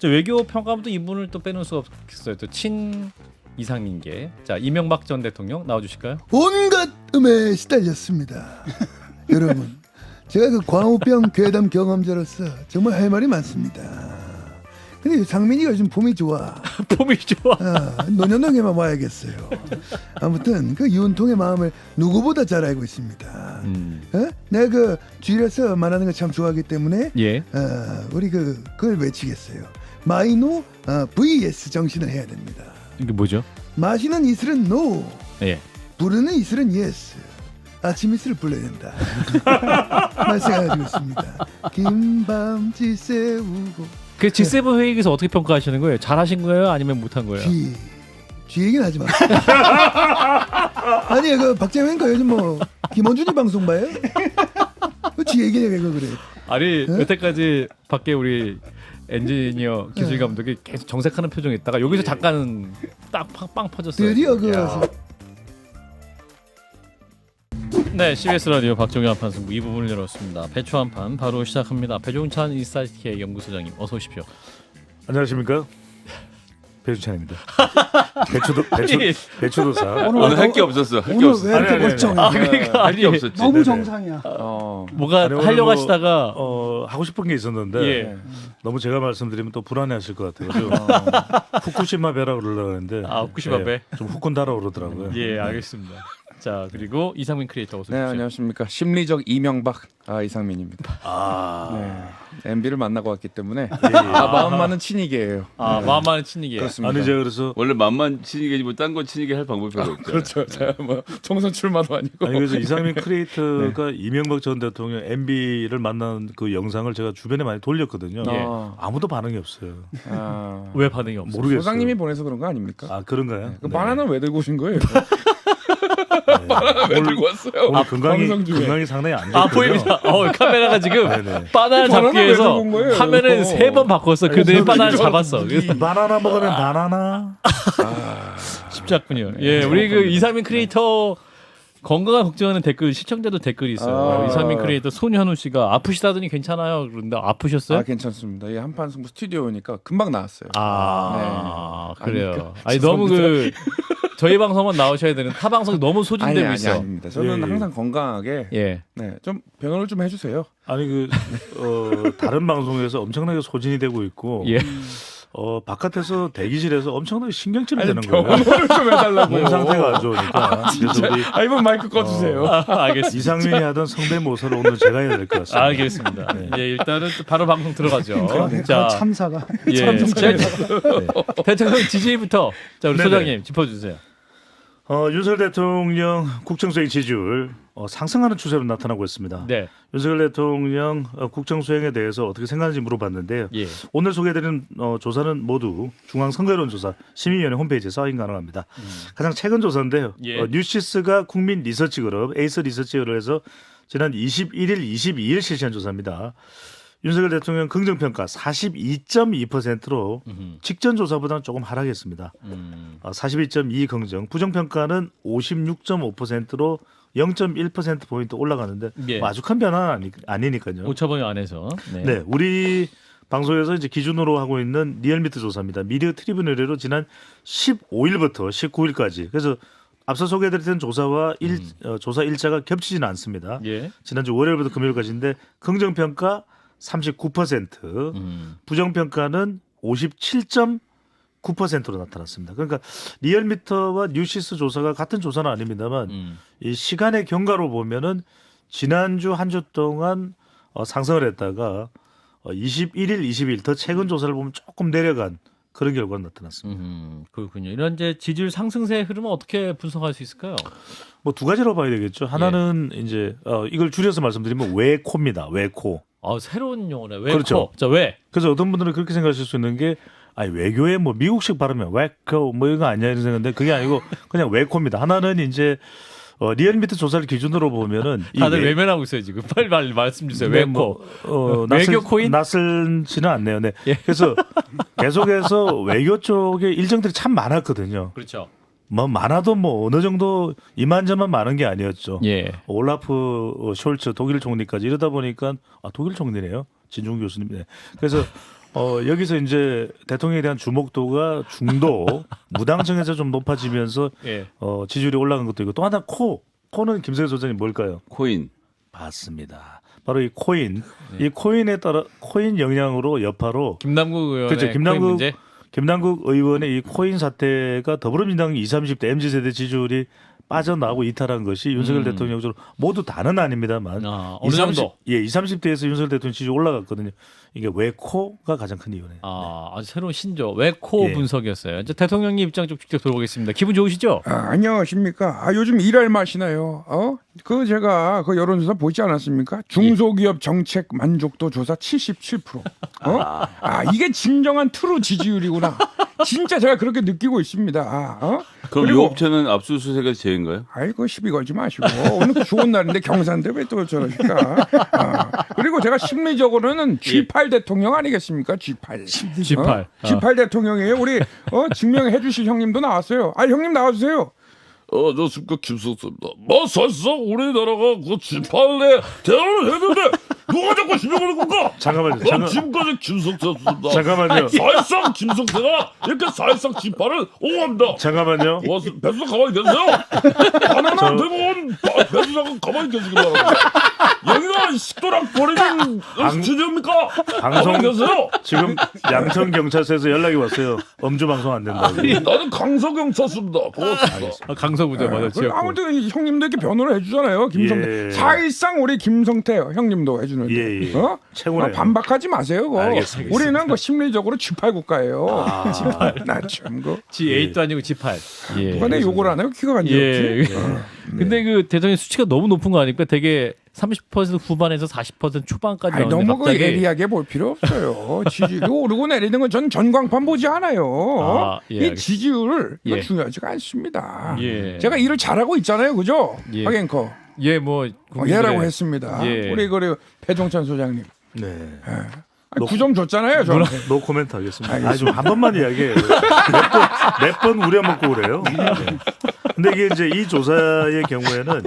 저 외교 평가부터 이분을 또 빼놓을 수가 없겠어요. 또 친 이상민계. 자, 이명박 전 대통령 나와주실까요? 온갖 음에 시달렸습니다. 여러분, 제가 그 광우병 괴담 경험자로서 정말 할 말이 많습니다. 근데 상민이가 요즘 봄이 좋아. 폼이 좋아. 노년동에만 와야겠어요. 아무튼 그 유은통의 마음을 누구보다 잘 알고 있습니다. 내가 그 주일에서 말하는 걸 참 좋아하기 때문에 예. 우리 그걸 외치겠어요. 마이노 vs 정신을 해야 됩니다. 이게 뭐죠? 마시는 이슬은 노, 예. 부르는 이슬은 예스. 아침 이슬을 불러야 된다. 말씀해가지고 있습니다. 긴 밤 지새우고. 그 G7 회의에서 어떻게 평가하시는 거예요? 잘하신 거예요? 아니면 못한 거예요? 쥐 얘기는 하지 마. 아니 그 박재민가 요즘 뭐 김원준이 방송 봐요? 쥐 얘기네 왜 그래? 아니 여태까지 밖에 우리 엔지니어 기술 감독이 계속 정색하는 표정이 있다가 여기서 잠깐 딱 빵 퍼졌어요. 드디어 네, CBS 라디오 박종현 한판 승부 2부분을 열었습니다. 배추 한판 바로 시작합니다. 배종찬 인사이트K 연구소장님 어서 오십시오. 안녕하십니까? 배준찬입니다. 배추도사. 오늘 할 게 없었어. 할 게 없었어. 왜 이렇게 멀쩡해? 그러니까 할 게 없었지. 너무 네네. 정상이야. 뭐가 아니, 오늘 하려고 뭐, 하시다가 하고 싶은 게 있었는데 예. 너무 제가 말씀드리면 또 불안해하실 것 같아요. 후쿠시마 배라 그러려고 했는데 후쿠시마 배? 좀 후끈다라 그러더라고요. 예, 알겠습니다. 자, 그리고 이상민 크리에이터 어서 네, 오십시오. 안녕하십니까. 심리적 이명박 이상민입니다. MB를 만나고 왔기 때문에 마음만은 친이계예요. 마음만은 친이게. 그렇습니다. 아니 제가 그래서 원래 맘만 친이게지 뭐 딴 거 친이게 할 방법이 별로 없잖아요. 그렇죠. 제가 뭐 총선 출마도 아니고. 아니 그래서 이상민 크리에이터가 이명박 전 대통령 MB를 만난 그 영상을 제가 주변에 많이 돌렸거든요. 예. 아무도 반응이 없어요. 왜 반응이 없어요? 모르겠어요. 소장님이 보내서 그런 거 아닙니까? 아 그런가요? 그 바나나 왜 들고 오신 거예요? 왜 들고 왔어요? 오늘 건강이 상당히 안 좋거든요. 보입니다. 바나나가 지금 네네. 바나나 잡기 바나나 왜 위해서 들고 온 거예요? 화면을 3번 바꿨어. 그때 바나나 잡았어. 그래서 바나나 먹으면 바나나. 쉽지 않군요. 예, 우리 그 이상민 크리에이터 건강을 걱정하는 댓글 시청자도 댓글이 있어요. 이상민 크리에이터 손현우 씨가 아프시다더니 괜찮아요. 그런데 아프셨어요? 괜찮습니다. 이 한판 승부 스튜디오니까 금방 나왔어요. 그래요. 아니, 아니 너무 저희 방송만 나오셔야 되는 타 방송 너무 소진되고 있어. 아닙니다. 저는 예. 항상 건강하게 예. 좀 변호를 좀 해주세요. 아니 다른 방송에서 엄청나게 소진이 되고 있고 예. 바깥에서 대기실에서 엄청나게 신경질이 되는 거예요. 변호를 좀 해달라고. 몸 상태가 안 좋으니까. 그래서 우리 이번 마이크 꺼주세요. 알겠습니다. 이상민이 하던 성대모사를 오늘 제가 해야 될 것 같습니다. 알겠습니다. 예, 일단은 바로 방송 들어가죠. 자, 참사가. 예. 대통령 지지부터 자 우리 네네. 소장님 짚어주세요. 윤석열 대통령 국정수행 지지율 상승하는 추세로 나타나고 있습니다. 네. 윤석열 대통령 국정수행에 대해서 어떻게 생각하는지 물어봤는데요. 예. 오늘 소개해드린 조사는 모두 중앙선거여론조사 시민위원회 홈페이지에서 확인 가능합니다. 가장 최근 조사인데요. 예. 뉴시스가 국민리서치그룹 에이스 리서치를 해서 지난 21일, 22일 실시한 조사입니다. 윤석열 대통령 긍정평가 42.2%로 직전 조사보다는 조금 하락했습니다. 42.2 긍정, 부정평가는 56.5%로 0.1%포인트 올라가는데 예. 뭐 아주 큰 변화는 아니니까요. 오차범위 안에서. 네, 우리 방송에서 이제 기준으로 하고 있는 리얼미터 조사입니다. 미디어 트리뷴 의뢰로 지난 15일부터 19일까지. 그래서 앞서 소개해드렸던 조사와 조사 일자가 겹치지는 않습니다. 예. 지난주 월요일부터 금요일까지인데 긍정평가 39%, 부정평가는 57.9%로 나타났습니다. 그러니까 리얼미터와 뉴시스 조사가 같은 조사는 아닙니다만 이 시간의 경과로 보면은 지난주 한 주 동안 상승을 했다가 21일, 20일 더 최근 조사를 보면 조금 내려간 그런 결과가 나타났습니다. 그렇군요. 이런 이제 지지율 상승세의 흐름은 어떻게 분석할 수 있을까요? 뭐 두 가지로 봐야 되겠죠. 하나는 이제 이걸 줄여서 말씀드리면 외코입니다. 외코. 새로운 용어네. 왜? 그렇죠. 자, 왜? 그래서 어떤 분들은 그렇게 생각하실 수 있는 게 외교에 뭐 미국식 발음이면 외코 뭐 이거 아니야 이런 생각인데 그게 아니고 그냥 외코입니다. 하나는 이제 리얼미터 조사를 기준으로 보면은 다들 외면하고 있어요 지금. 빨리 말씀 주세요. 네, 외코. 외교 코인? 낯설지는 않네요. 네. 예. 그래서 계속해서 외교 쪽에 일정들이 참 많았거든요. 그렇죠. 뭐 많아도 뭐 어느 정도 이만저만 많은 게 아니었죠. 예. 올라프 숄츠 독일 총리까지 이러다 보니까 독일 총리네요. 진중 교수님. 네. 그래서 여기서 이제 대통령에 대한 주목도가 중도 무당층에서 좀 높아지면서 예. 지지율이 올라간 것도 있고 또 하나 코는 김성애 소장님 뭘까요? 코인. 맞습니다. 바로 이 코인. 이 코인에 따라 코인 영향으로 여파로 김남국 의원의 그렇죠. 코인 문제. 김남국 의원의 이 코인 사태가 더불어민주당 20, 30대 MZ세대 지지율이 빠져나오고 이탈한 것이 윤석열 대통령으로 모두 다는 아닙니다만 어느 정도? 20, 30대에서 윤석열 대통령 지지율 올라갔거든요. 이게 왜 코가 가장 큰 이유네요. 아주 새로운 신조 외코 예. 분석이었어요. 이제 대통령님 입장 좀 직접 들어보겠습니다. 기분 좋으시죠? 안녕하십니까. 요즘 일할 맛이나요. 그 제가 그 여론조사 보지 않았습니까? 중소기업 정책 만족도 조사 77%. 이게 진정한 트루 지지율이구나. 진짜 제가 그렇게 느끼고 있습니다. 그럼 이 그리고- 업체는 압수수색의 죄인가요? 아이고 시비 걸지 마시고 오늘 좋은 날인데 경산대 왜 또 저러실까? 그리고 제가 심리적으로는 G8 대통령 아니겠습니까? G8. G8. G8 대통령이에요. 우리 증명해 주실 형님도 나왔어요. 형님 나와주세요. 안녕하십니까 김석수입니다. 사실상 우리나라가 그 G8에 대화를 했는데 누가 자꾸 지명하는 건가? 잠깐만요. 지금까지 김석수였습니다. 잠깐만요. 사실상 김석수가 이렇게 사실상 G8을 옹호합니다. 잠깐만요. 배수사 가만히 계세요. 바나나 대법원 배수사가 가만히 계시기 바랍니다. 여기가 식도락 버리는 스튜디오입니까? 방송- 가만히 계세요. 지금 양천 경찰서에서 연락이 왔어요. 음주 방송 안 된다고. 나는 강서경찰서입니다. 고맙습니다. 강서구제 맞아. 지역구. 아무튼 이 형님도 이렇게 변호를 해주잖아요. 김성태. 예. 사실상 우리 김성태 형님도 해주는데. 예. 최고네요. 반박하지 마세요. 그거. 알겠습니다. 우리는 그 심리적으로 G8 국가예요. G8. 나참 그. G8도 아니고 G8. 예. 누가 내 욕을 안 해요? 키가 간지 예. 근데 그 대통령 수치가 너무 높은 거 아닙니까? 되게 30% 후반에서 40% 초반까지 나오는데 너무 그 갑자기 예리하게 볼 필요 없어요. 지지율이 오르고 내리는 건 전 전광판 보지 않아요. 예, 이 알겠습니다. 지지율 이거 예. 중요하지가 않습니다. 예. 제가 일을 잘하고 있잖아요, 그죠? 예. 박앵커. 예, 뭐 예라고 했습니다. 예. 우리 그 배종찬 소장님. 네. 9점 줬잖아요, 저는. 노 코멘트 하겠습니다. 좀 한 번만 이야기해요. 몇 번 우려먹고 그래요. 네. 근데 이게 이제 이 조사의 경우에는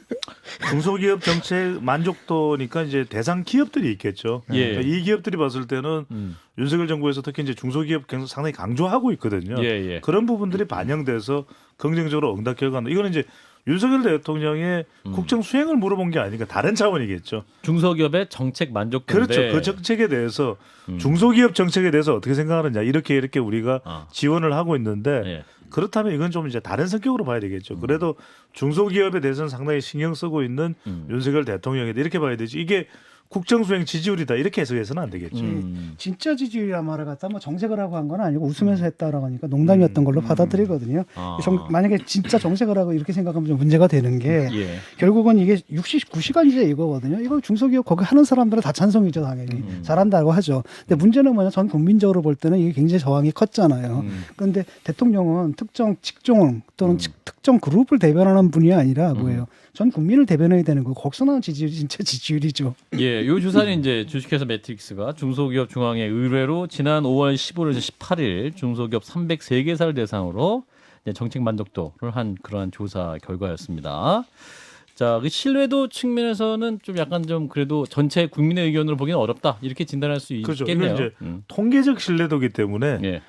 중소기업 정책 만족도니까 이제 대상 기업들이 있겠죠. 예. 그러니까 이 기업들이 봤을 때는 윤석열 정부에서 특히 이제 중소기업 상당히 강조하고 있거든요. 예. 그런 부분들이 반영돼서 긍정적으로 응답 결과가 이거는 이제 윤석열 대통령의 국정 수행을 물어본 게 아니니까 다른 차원이겠죠. 중소기업의 정책 만족도인데 그렇죠. 그 정책에 대해서 중소기업 정책에 대해서 어떻게 생각하느냐 이렇게 우리가 지원을 하고 있는데 예. 그렇다면 이건 좀 이제 다른 성격으로 봐야 되겠죠. 그래도 중소기업에 대해서는 상당히 신경 쓰고 있는 윤석열 대통령이다 이렇게 봐야 되지. 이게 국정수행 지지율이다 이렇게 해석해서는 안 되겠죠. 진짜 지지율이란 말을 갖다 뭐 정색을 하고 한 건 아니고 웃으면서 했다라고 하니까 농담이었던 걸로 받아들이거든요. 만약에 진짜 정색을 하고 이렇게 생각하면 좀 문제가 되는 게 예. 결국은 이게 69시간제 이거거든요. 이거 중소기업 거기 하는 사람들은 다 찬성이죠, 당연히. 잘한다고 하죠. 근데 문제는 뭐냐, 전 국민적으로 볼 때는 이게 굉장히 저항이 컸잖아요. 그런데 대통령은 특정 직종 또는 특정 그룹을 대변하는 분이 아니라 뭐예요? 전 국민을 대변해야 되는 거. 거기서 나온 지지율이 진짜 지지율이죠. 예, 요 조사는 이제 주식회사 매트릭스가 중소기업 중앙회 의뢰로 지난 5월 15일에서 18일 중소기업 303개사를 대상으로 이제 정책 만족도를 한 그러한 조사 결과였습니다. 자, 그 신뢰도 측면에서는 좀 약간 좀 그래도 전체 국민의 의견으로 보기는 어렵다 이렇게 진단할 수 그렇죠. 있겠네요. 이건 이제 통계적 신뢰도기 때문에 예.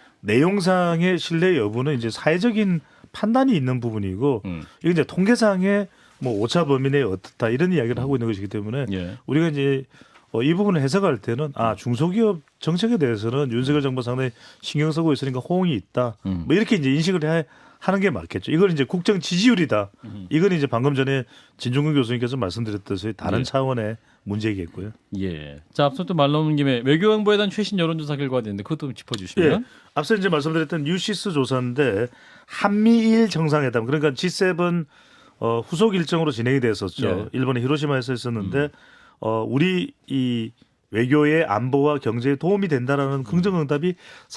내용상의 신뢰 여부는 이제 사회적인 판단이 있는 부분이고 이게 이제 통계상의 뭐 오차 범위 내에 어떻다 이런 이야기를 하고 있는 것이기 때문에 예. 우리가 이제 이 부분을 해석할 때는 중소기업 정책에 대해서는 윤석열 정부 상당히 신경 쓰고 있으니까 호응이 있다. 뭐 이렇게 이제 인식을 하는 게 맞겠죠. 이걸 이제 국정 지지율이다. 이건 이제 방금 전에 진중근 교수님께서 말씀드렸듯이 다른 예. 차원의 문제이겠고요. 예. 자, 앞서 또 말 나오는 김에 외교안보에 대한 최신 여론조사 결과가 있는데 그것도 좀 짚어주시면. 예. 앞서 이제 말씀드렸던 뉴시스 조사인데 한미일 정상회담 그러니까 G7 후속 일정으로 진행이 됐었죠. 예. 일본의 히로시마에서 있었는데 우리 이 외교의 안보와 경제에 도움이 된다라는 긍정응답이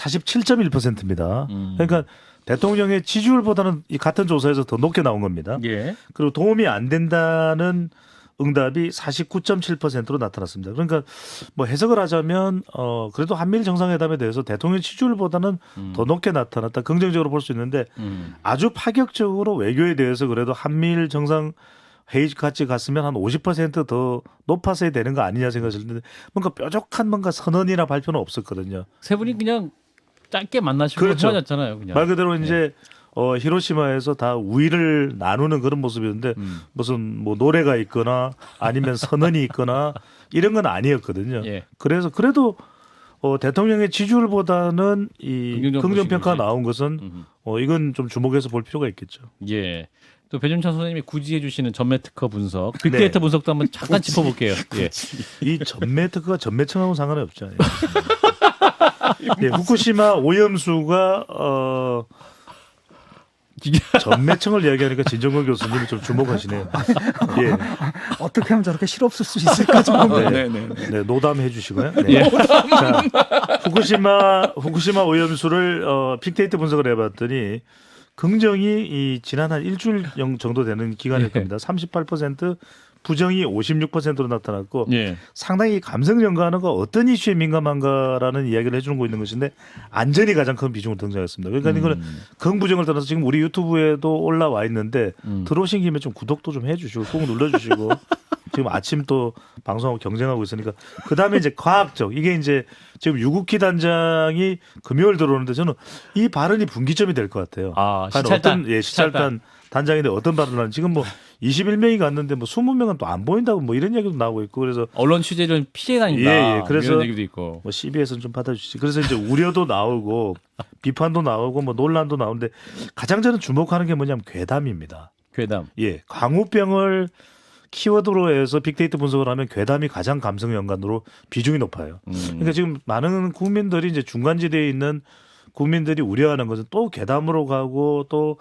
47.1%입니다. 그러니까 대통령의 지지율보다는 이 같은 조사에서 더 높게 나온 겁니다. 예. 그리고 도움이 안 된다는 응답이 49.7%로 나타났습니다. 그러니까 뭐 해석을 하자면 그래도 한미일 정상회담에 대해서 대통령 지지율보다는 더 높게 나타났다. 긍정적으로 볼 수 있는데 아주 파격적으로 외교에 대해서 그래도 한미일 정상 헤이즈 같이 갔으면 한 50%더 높았어야 되는 거 아니냐 생각을 했는데 뭔가 뾰족한 뭔가 선언이나 발표는 없었거든요. 세 분이 그냥 짧게 만나시고 그렇죠. 헤어졌잖아요. 그냥. 말 그대로 이제 히로시마에서 다 우위를 나누는 그런 모습이었는데 무슨 뭐 노래가 있거나 아니면 선언이 있거나 이런 건 아니었거든요. 예. 그래서 그래도 대통령의 지지율보다는 이 긍정적 긍정평가가 보시는지. 나온 것은 이건 좀 주목해서 볼 필요가 있겠죠. 예. 또 배준찬 선생님이 굳이 해주시는 전매 특허 분석, 빅데이터 분석도 한번 잠깐 짚어볼게요. 예. 이 전매 특허가 전매청하고 상관이 없잖아요. 예, 후쿠시마 오염수가 전매청을 이야기하니까 진정건 교수님이 좀 주목하시네요. 예, 어떻게 하면 저렇게 실없을 수 있을까 좀. 네, 네, 노담해 주시고요. 네. 자, 후쿠시마 오염수를 빅데이터 분석을 해봤더니 긍정이 이 지난 한 일주일 정도 되는 기간일 예. 겁니다. 38%, 부정이 56%로 나타났고 예. 상당히 감성 연구하는가 어떤 이슈에 민감한가라는 이야기를 해주는 거 있는 것인데 안전이 가장 큰 비중으로 등장했습니다. 그러니까 이거는 긍부정을 떠나서 지금 우리 유튜브에도 올라와 있는데 들어오신 김에 좀 구독도 좀 해주시고 꼭 눌러주시고 지금 아침 또 방송하고 경쟁하고 있으니까 그 다음에 이제 과학적 이게 이제 지금 유국희 단장이 금요일 들어오는데 저는 이 발언이 분기점이 될 것 같아요. 아, 과연 시찰단. 어떤 시찰단 단장인데 어떤 발언을 하는 지금 뭐 21명이 갔는데 뭐 20명은 또 안 보인다고 뭐 이런 얘기도 나오고 있고 그래서 언론 취재를 피해 다닌다. 예, 예. 그래서 이런 얘기도 있고. 뭐 CBS는 좀 받아주시지. 그래서 이제 우려도 나오고 비판도 나오고 뭐 논란도 나오는데 가장 저는 주목하는 게 뭐냐면 괴담입니다. 괴담. 예, 광우병을 키워드로 해서 빅데이터 분석을 하면 괴담이 가장 감성 연관으로 비중이 높아요. 그러니까 지금 많은 국민들이 이제 중간지대에 있는 국민들이 우려하는 것은 또 괴담으로 가고 또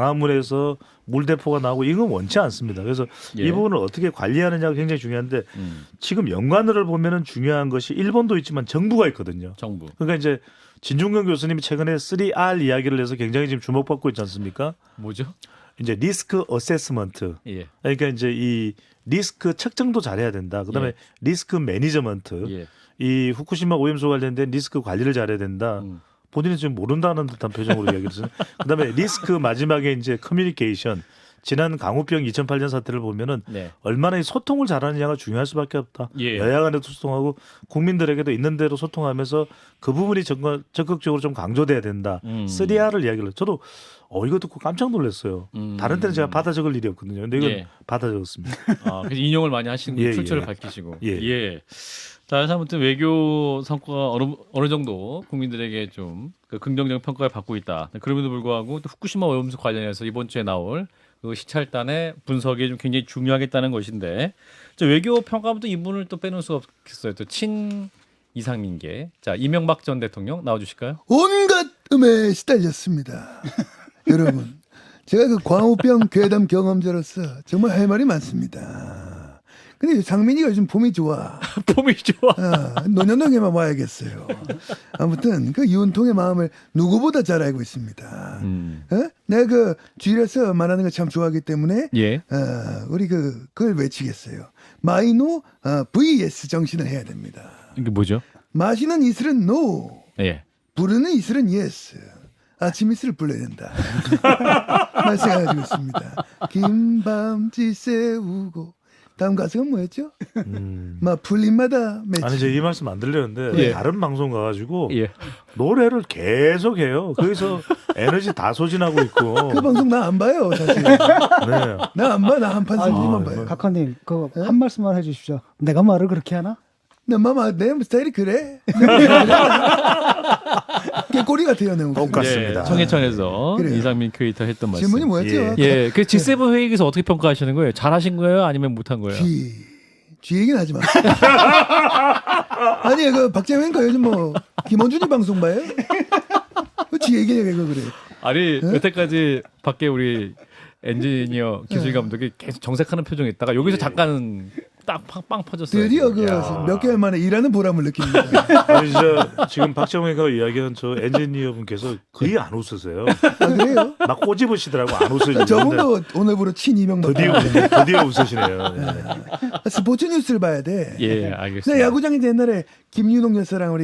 광화문에서 물대포가 나오고 이건 원치 않습니다. 그래서 예. 이 부분을 어떻게 관리하느냐가 굉장히 중요한데 지금 연관어를 보면은 중요한 것이 일본도 있지만 정부가 있거든요. 정부. 그러니까 이제 진중근 교수님이 최근에 3R 이야기를 해서 굉장히 지금 주목받고 있지 않습니까? 뭐죠? 이제 리스크 어세스먼트. 예. 그러니까 이제 이 리스크 책정도 잘해야 된다. 그다음에 예. 리스크 매니저먼트. 예. 이 후쿠시마 오염수 관련된 리스크 관리를 잘해야 된다. 본인은 지금 모른다는 듯한 표정으로 이야기를 했어요. 그다음에 리스크 마지막에 이제 커뮤니케이션. 지난 강우병 2008년 사태를 보면은 네. 얼마나 이 소통을 잘하느냐가 중요할 수밖에 없다. 예. 여야 간에도 소통하고 국민들에게도 있는 대로 소통하면서 그 부분이 적극적으로 좀 강조돼야 된다. 3R을 이야기를 해요. 저도 이거 듣고 깜짝 놀랐어요. 다른 때는 제가 받아 적을 일이 없거든요. 근데 이건 예. 받아 적었습니다. 아, 그래서 인용을 많이 하시는 예, 출처를 예. 밝히시고. 예. 자, 그래서 아무튼 외교 성과가 어느 정도 국민들에게 좀 그 긍정적 평가를 받고 있다. 그럼에도 불구하고 또 후쿠시마 오염수 관련해서 이번 주에 나올 그 시찰단의 분석이 좀 굉장히 중요하겠다는 것인데, 저 외교 평가부터 이분을 또 빼놓을 수가 없겠어요. 또 친 이상민계. 자, 이명박 전 대통령 나와주실까요? 온갖 음에 시달렸습니다. 여러분, 제가 그 광우병 괴담 경험자로서 정말 할 말이 많습니다. 근데 상민이가 요즘 봄이 좋아. 폼이 좋아. 노년동에만 와야겠어요. 아무튼 그 윤통의 마음을 누구보다 잘 알고 있습니다. 내가 그 주일에서 말하는 걸 참 좋아하기 때문에 예. 우리 그걸 외치겠어요. 마이노 vs 정신을 해야 됩니다. 이게 뭐죠? 마시는 이슬은 no, 예. 부르는 이슬은 yes. 아침 이슬을 불러야 된다. 말씀해가지고 있습니다. 긴 밤 지새우고 다음 가사가 뭐였죠? 막 풀림마다 맺히. 아니, 제가 이 말씀 안 들렸는데 예. 다른 방송 가가지고 예. 노래를 계속 해요. 거기서 에너지 다 소진하고 있고. 그 방송 나 안 봐요, 사실. 네. 나 안 봐. 나 한판 승리만 봐요. 각하님, 한 말씀만 해주십시오. 내가 말을 그렇게 하나? 내 스타일이 그래. 깨꼬리 같아요, 내 목소리. 똑같습니다. 예, 청해천에서 그래요. 이상민 크리에이터 했던 말씀. 질문이 뭐였죠? 예. 예, 그 G7 회의에서 어떻게 평가하시는 거예요? 잘하신 거예요? 아니면 못한 거예요? 쥐 얘기는 하지 마. 아니, 그 박재민가 요즘 뭐 김원준이 방송 봐요? 쥐 얘기냐 그래. 아니 여태까지 밖에 우리 엔지니어 기술 감독이 계속 정색하는 표정이 있다가 여기서 잠깐 딱 빵 퍼졌어요. 드디어 그 몇 개월 만에 일하는 보람을 느낍니다. 아니, 지금 박정희가 이야기한 저 엔지니어분께서 거의 안 웃으세요. 아, 그래요? 막 꼬집으시더라고 안 웃으시는데. 저분도 오늘부로 친이명박. 드디어 웃으시네요. 예. 스포츠 뉴스를 봐야 돼. 예, 나 알겠습니다. 야구장에서 옛날에 김윤홍 여사랑 우리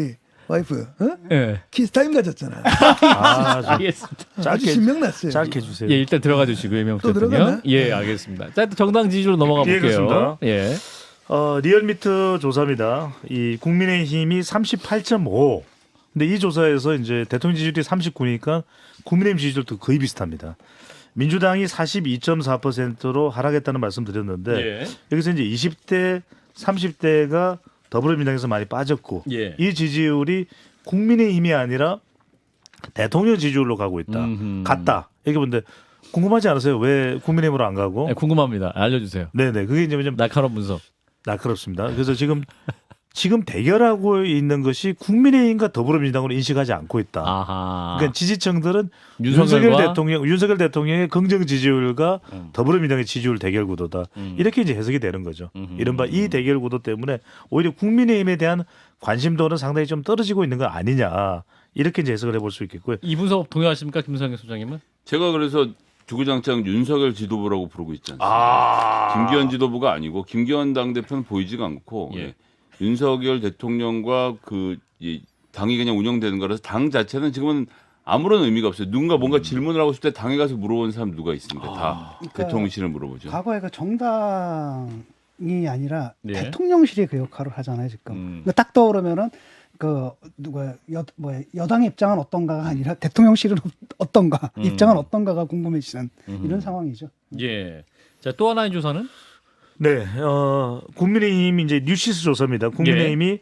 와이프 어? 예. 키스타임 가졌잖아. 알겠습니다. 아주 짧게 신명났어요. 짧게 해주세요. 예, 일단 들어가 주시고요, 또 명태님요. 들어가나? 예, 알겠습니다. 자, 또 정당 지지로 넘어가 예, 볼게요. 그렇습니다. 예. 리얼미터 조사입니다. 이 국민의힘이 38.5. 근데 이 조사에서 이제 대통령 지지율이 39니까 국민의힘 지지율도 거의 비슷합니다. 민주당이 42.4%로 하락했다는 말씀드렸는데 예. 여기서 이제 20대, 30대가 더불어민주당에서 많이 빠졌고 예. 이 지지율이 국민의힘이 아니라 대통령 지지율로 가고 있다. 음흠. 갔다. 이렇게 보는데 궁금하지 않으세요? 왜 국민의힘으로 안 가고? 네, 궁금합니다. 알려주세요. 네네. 그게 이제 좀 날카로운 분석. 날카롭습니다. 그래서 지금 대결하고 있는 것이 국민의힘과 더불어민주당으로 인식하지 않고 있다. 아하. 그러니까 지지층들은 윤석열과 윤석열 대통령의 긍정 지지율과 음. 더불어민주당의 지지율 대결 구도다. 이렇게 이제 해석이 되는 거죠. 이른바 이 대결 구도 때문에 오히려 국민의힘에 대한 관심도는 상당히 좀 떨어지고 있는 거 아니냐. 이렇게 이제 해석을 해볼 수 있겠고요. 이 분석 동의하십니까, 김성현 소장님은? 제가 그래서 주구장창 윤석열 지도부라고 부르고 있지 않습니까? 김기현 지도부가 아니고 김기현 당대표는 보이지가 않고 예. 윤석열 대통령과 이 당이 그냥 운영되는 거라서 당 자체는 지금은 아무런 의미가 없어요. 누군가 뭔가 질문을 하고 싶을 때 당에 가서 물어보는 사람 누가 있습니까? 다 그러니까 대통령실을 물어보죠. 과거에 그 정당이 아니라 네. 대통령실이 그 역할을 하잖아요 지금. 음. 그러니까 딱 떠오르면은 그 누가 여당의 입장은 어떤가가 아니라 대통령실은 어떤가 입장은 어떤가가 궁금해지는 이런 상황이죠. 예. 자, 또 하나의 조사는? 네, 국민의힘 이제 뉴시스 조사입니다. 국민의힘이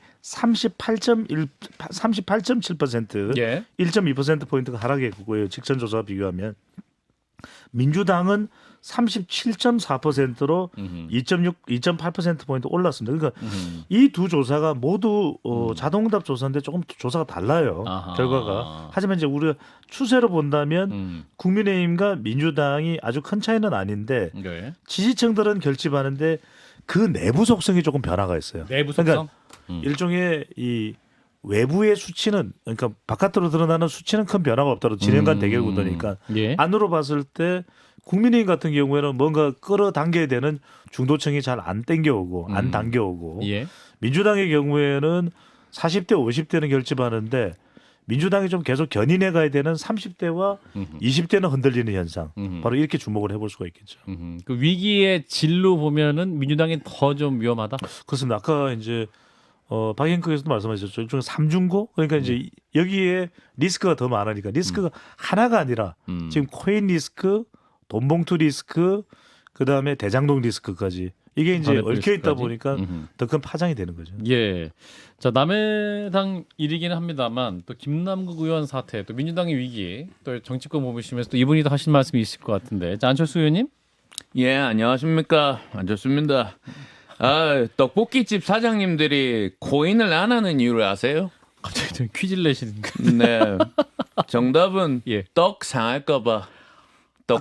38.7%, 예. 1.2% 포인트가 하락했고요. 직전 조사와 비교하면 민주당은 37.4%로 2.8% 포인트 올랐습니다. 그러니까 이 두 조사가 모두 자동응답 조사인데 조금 조사가 달라요. 아하. 결과가. 하지만 이제 우리가 추세로 본다면 국민의힘과 민주당이 아주 큰 차이는 아닌데 네. 지지층들은 결집하는데 그 내부 속성이 조금 변화가 있어요. 내부 속성? 그러니까 일종의 이 외부의 수치는 그러니까 바깥으로 드러나는 수치는 큰 변화가 없더라도 진행간 대결 구도니까 예. 안으로 봤을 때 국민의힘 같은 경우에는 뭔가 끌어당겨야 되는 중도층이 잘 안 땡겨오고 안 당겨오고 예. 민주당의 경우에는 40대 50대는 결집하는데 민주당이 좀 계속 견인해 가야 되는 30대와 20대는 흔들리는 현상. 바로 이렇게 주목을 해볼 수가 있겠죠. 그 위기의 진로 보면은 민주당이 더 좀 위험하다. 그렇습니다. 아까 이제 박영크에서도 말씀하셨죠. 일종의 삼중고 그러니까 이제 여기에 리스크가 더 많으니까 리스크가 하나가 아니라 지금 코인 리스크, 돈봉투 리스크, 그 다음에 대장동 리스크까지 이게 이제 전액 얽혀 있다 리스크까지? 보니까 더 큰 파장이 되는 거죠. 예. 자, 남해당 일이기는 합니다만 또 김남국 의원 사태, 또 민주당의 위기, 또 정치권 보시면서 또 이분이 더 하실 말씀이 있을 것 같은데. 자, 안철수 의원님? 예, 안녕하십니까. 안좋습니다. 떡볶이집 사장님들이 코인을 안 하는 이유를 아세요? 갑자기 좀 퀴즈를 내시는 거. 네. 정답은 예. 떡 상할까봐. 떡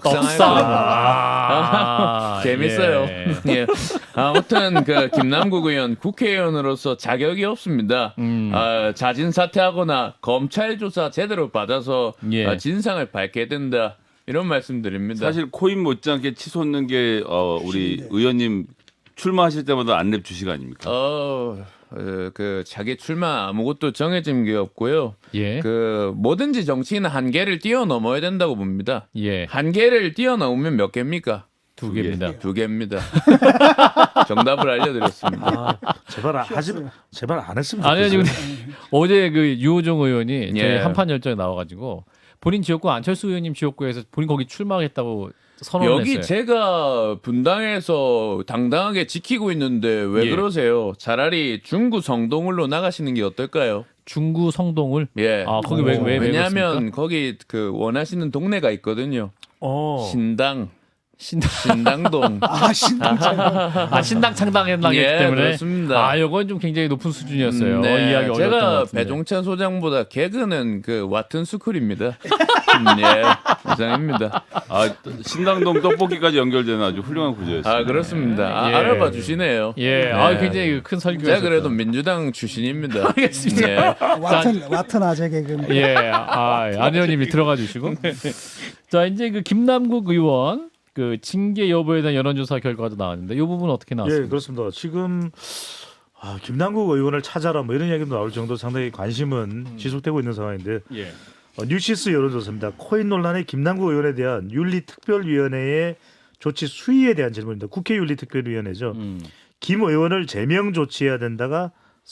상할까봐. 재밌어요. 예. 예. 아무튼 그 김남국 의원 국회의원으로서 자격이 없습니다. 자진 사퇴하거나 검찰 조사 제대로 받아서 예. 진상을 밝게 된다. 이런 말씀드립니다. 사실 코인 못지않게 치솟는 게 우리 의원님 출마하실 때마다 안랩 주식 아닙니까? 그 자기 출마 아무것도 정해진 게 없고요. 예. 그 뭐든지 정치인은 한계를 뛰어넘어야 된다고 봅니다. 예. 한계를 뛰어넘으면 몇 개입니까? 두 개입니다. 두 개입니다. 정답을 알려드렸습니다. 제발 안 했으면 아니 좋겠어요. 근데 어제 그 유호정 의원이 저희 예. 한판 열정에 나와가지고 본인 지역구 안철수 의원님 지역구에서 본인 거기 출마하겠다고 선언을 여기 했어요. 제가 분당에서 당당하게 지키고 있는데 왜 예. 그러세요? 차라리 중구 성동을로 나가시는 게 어떨까요? 중구 성동을. 예. 아 거기 왜 왜냐하면 그렇습니까? 거기 그 원하시는 동네가 있거든요. 신당. 신당동. 신당 신당 창당했기 예, 때문에. 그렇습니다. 아, 이건 좀 굉장히 높은 수준이었어요. 네, 이야기 어려웠던 것 제가 같은데. 배종찬 소장보다 개그는 그 와튼 스쿨입니다. 예, 이상입니다. 신당동 떡볶이까지 연결되는 아주 훌륭한 구조였어요. 그렇습니다. 예. 알아봐 주시네요. 예, 굉장히 큰 설교였어요. 제가 그래도 민주당 출신입니다. 알겠습니다. 예. 와튼 아재 개그. 예, 안 의원님이 들어가 주시고. 자, 이제 그 김남국 의원 그 징계 여부에 대한 여론조사 결과도 나왔는데 이 부분 어떻게 예, 나왔습니까? 그렇습니다. 지금 김남국 의원을 찾아라 뭐 이런 이야기도 나올 정도로 상당히 관심은 지속되고 있는 상황인데 예. 뉴시스 여론조사입니다. 코인 논란의 김남국 의원에 대한 윤리특별위원회의 조치 수위에 대한 질문입니다. 국회 윤리특별위원회죠. 김 의원을 제명 조치해야 된다가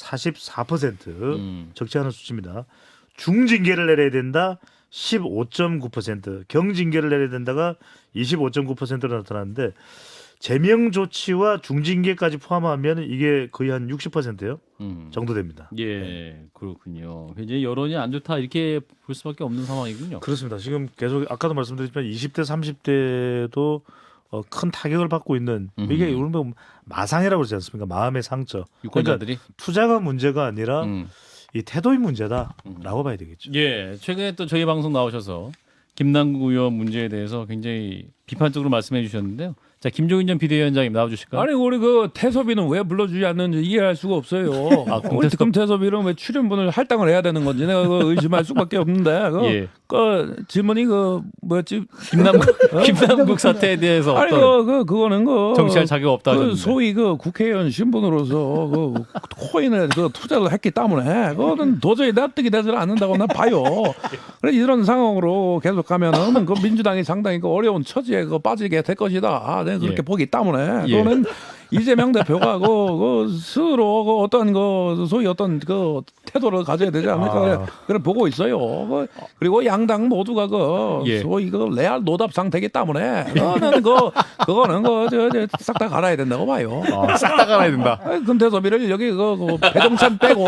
44% 적지 않은 수치입니다. 중징계를 내려야 된다 15.9%, 경징계를 내려야 된다가 25.9%로 나타났는데 제명 조치와 중징계까지 포함하면 이게 거의 한 60%요 정도 됩니다. 예, 그렇군요. 이제 여론이 안 좋다 이렇게 볼 수밖에 없는 상황이군요. 그렇습니다. 지금 계속 아까도 말씀드렸지만 20대, 30대도 큰 타격을 받고 있는 이게 우리 마상이라고 그러지 않습니까? 마음의 상처. 유권자들이 그러니까 투자가 문제가 아니라 이 태도의 문제다라고 봐야 되겠죠. 예, 최근에 또 저희 방송 나오셔서 김남국 의원 문제에 대해서 굉장히 비판적으로 말씀해 주셨는데요. 자, 김종인 전 비대위원장님 나와주실까요? 아니 우리 그 태섭이는 왜 불러주지 않는지 이해할 수가 없어요. 우리 특검 태섭이는 왜 출연분을 할당을 해야 되는 건지 내가 그 의심할 수밖에 없는데 예. 그 질문이 그 뭐였지? 김남국 사태에 대해서 아니 어떤 그거는 그 정치할 자격 없다 그 하셨는데. 소위 그 국회의원 신분으로서 그 코인에 그 투자를 했기 때문에 그거는 도저히 납득이 되지 않는다고 난 봐요. 그래 이런 상황으로 계속 가면은 그 민주당이 상당히 그 어려운 처지에 그 빠지게 될 것이다. 내가 그렇게 예. 보기 때문에 예. 그거는 이재명 대표가 그 스스로 그 어떤 그 소위 어떤 그 태도를 가져야 되지 않을까 그래 보고 있어요. 그리고 양당 모두가 그 예. 소위 그 레알 노답 상태이기 때문에 그거는 싹 다 갈아야 된다고 봐요. 싹 다 갈아야 된다. 금태섭이를 여기 그 배동찬 빼고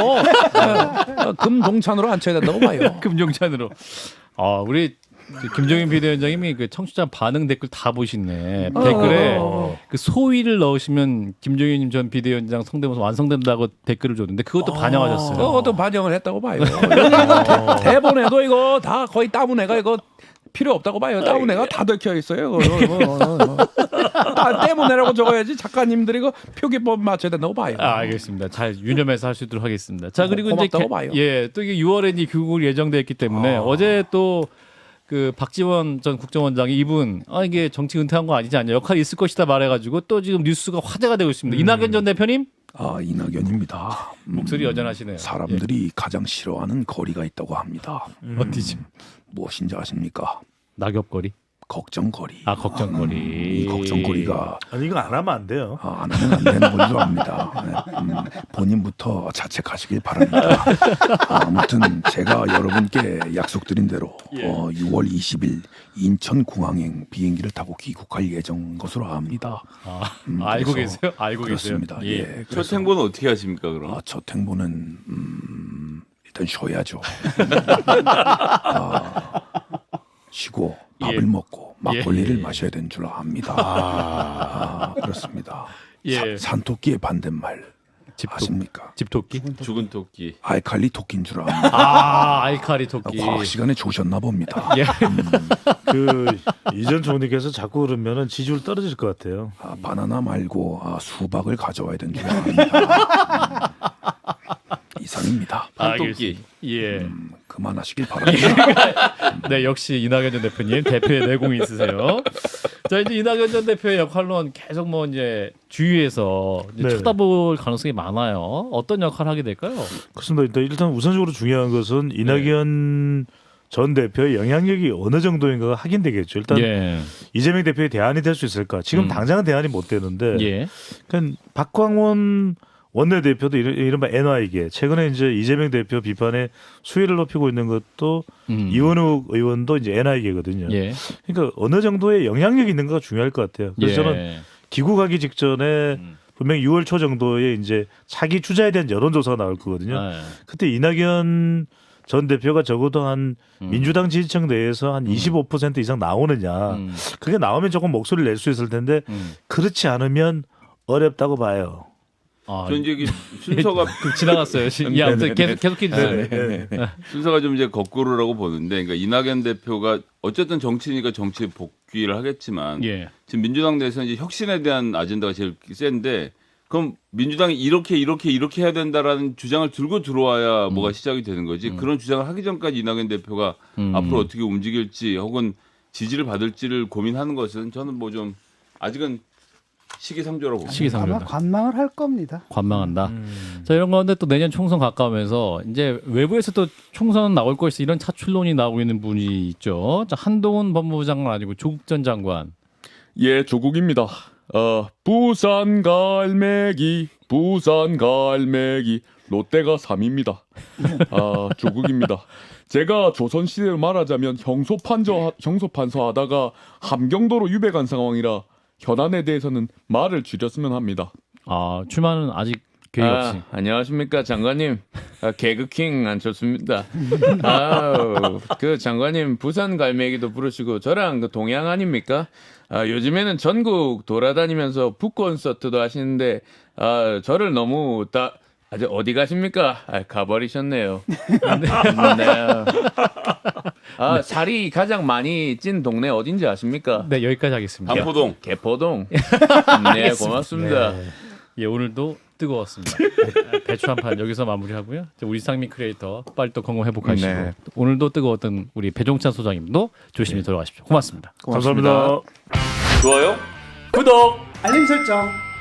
금동찬으로 앉혀야 된다고 봐요. 금종찬으로. 우리 김종인 비대위원장님이 그 청취자 반응 댓글 다 보시네. 댓글에 그 소위를 넣으시면 김종인 전 비대위원장 성대모사 완성된다고 댓글을 줬는데 그것도 반영하셨어요. 그것도 반영을 했다고 봐요. 대본에도 이거 다 거의 따분해가 이거 필요 없다고 봐요. 따분해가 다 적혀 있어요. 때문에라고 적어야지 작가님들이 그 표기법 맞춰야 된다고 봐요. 알겠습니다. 잘 유념해서 할 수 있도록 하겠습니다. 자, 그리고 이제 고맙다고 봐요. 또 이게 6월에 이제 귀국을 예정돼 있기 때문에 어제 또 그 박지원 전 국정원장이 이분 이게 정치 은퇴한 거 아니지 않냐 역할이 있을 것이다 말해가지고 또 지금 뉴스가 화제가 되고 있습니다. 이낙연 전 대표님 이낙연입니다. 목소리 여전하시네요. 사람들이 가장 싫어하는 거리가 있다고 합니다. 어디지? 무엇인지 아십니까? 낙엽거리. 걱정거리. 걱정거리. 이 걱정거리가 아니 이거 안 하면 안 돼요. 안 하면 안 되는 건 줄 압니다. 본인부터 자책하시길 바랍니다. 아무튼 제가 여러분께 약속드린 대로 6월 20일 인천공항행 비행기를 타고 귀국할 예정 것으로 압니다. 알고 그래서 계세요? 알고 그렇습니다. 계세요? 예. 첫 행보는 어떻게 하십니까 그럼? 첫 행보는 일단 쉬어야죠. 쉬고 밥을 먹고 막걸리를 마셔야 되는 줄 압니다. 그렇습니다. 산토끼의 반대말 아십니까? 집토끼? 죽은 토끼. 알칼리 토끼인 줄 압니다. 알칼리 토끼. 과학 시간에 조셨나 봅니다. 그 이전 총리께서 자꾸 그러면은 지지율 떨어질 것 같아요. 바나나 말고 수박을 가져와야 되는 줄 압니다. 이상입니다. 판토끼. 그만하시길 바랍니다. 네, 역시 이낙연 전 대표님 대표의 내공이 있으세요. 자, 이제 이낙연 전 대표의 역할론 계속 뭐 이제 주위에서 이제 쳐다볼 가능성이 많아요. 어떤 역할을 하게 될까요? 그렇습니다. 일단 우선적으로 중요한 것은 이낙연 전 대표의 영향력이 어느 정도인가가 확인되겠죠. 일단 이재명 대표의 대안이 될 수 있을까? 지금 당장은 대안이 못 되는데, 그러니까 박광원 원내대표도 이른바 NY계 최근에 이제 이재명 대표 비판에 수위를 높이고 있는 것도 이원욱 의원도 이제 NY계거든요. 그러니까 어느 정도의 영향력이 있는가가 중요할 것 같아요. 그래서 저는 귀국하기 직전에 분명히 6월 초 정도에 이제 차기 주자에 대한 여론조사가 나올 거거든요. 그때 이낙연 전 대표가 적어도 한 민주당 지지층 내에서 한 25% 이상 나오느냐. 그게 나오면 조금 목소리를 낼 수 있을 텐데 그렇지 않으면 어렵다고 봐요. 전 이제 순서가 지나갔어요. 아무튼 계속 해주세요. 순서가 좀 이제 거꾸로라고 보는데, 그러니까 이낙연 대표가 어쨌든 정치니까 정치에 복귀를 하겠지만 지금 민주당 내에서 이제 혁신에 대한 아젠다가 제일 센데, 그럼 민주당이 이렇게 해야 된다라는 주장을 들고 들어와야 뭐가 시작이 되는 거지. 그런 주장을 하기 전까지 이낙연 대표가 앞으로 어떻게 움직일지 혹은 지지를 받을지를 고민하는 것은 저는 뭐 좀 아직은 시기상조라고 봅니다. 아마 시기상조다. 관망을 할 겁니다. 관망한다. 자, 이런 건데 또 내년 총선 가까우면서 이제 외부에서 또 총선 나올 것이 이런 차출론이 나오고 있는 분이 있죠. 자, 한동훈 법무부 장관 아니고 조국 전 장관. 예, 조국입니다. 부산 갈매기, 롯데가 3입니다. 조국입니다. 제가 조선시대로 말하자면 형소판서 하다가 함경도로 유배간 상황이라 현안에 대해서는 말을 줄였으면 합니다. 출마는 아직 계획 없이. 안녕하십니까 장관님. 개그킹 안좋습니다. 그 장관님 부산 갈매기도 부르시고 저랑 그 동양 아닙니까? 요즘에는 전국 돌아다니면서 북콘서트도 하시는데 저를 너무 아주 어디 가십니까? 가버리셨네요. 네. 살이 가장 많이 찐 동네 어딘지 아십니까? 네, 여기까지 하겠습니다. 반포동. 개포동. 네, 고맙습니다. 예, 오늘도 뜨거웠습니다. 배추 한 판 여기서 마무리하고요. 우리 상민 크리에이터 빨리 또 건강 회복하시고 네. 오늘도 뜨거웠던 우리 배종찬 소장님도 조심히 돌아가십시오. 고맙습니다. 감사합니다. 좋아요. 알림 설정.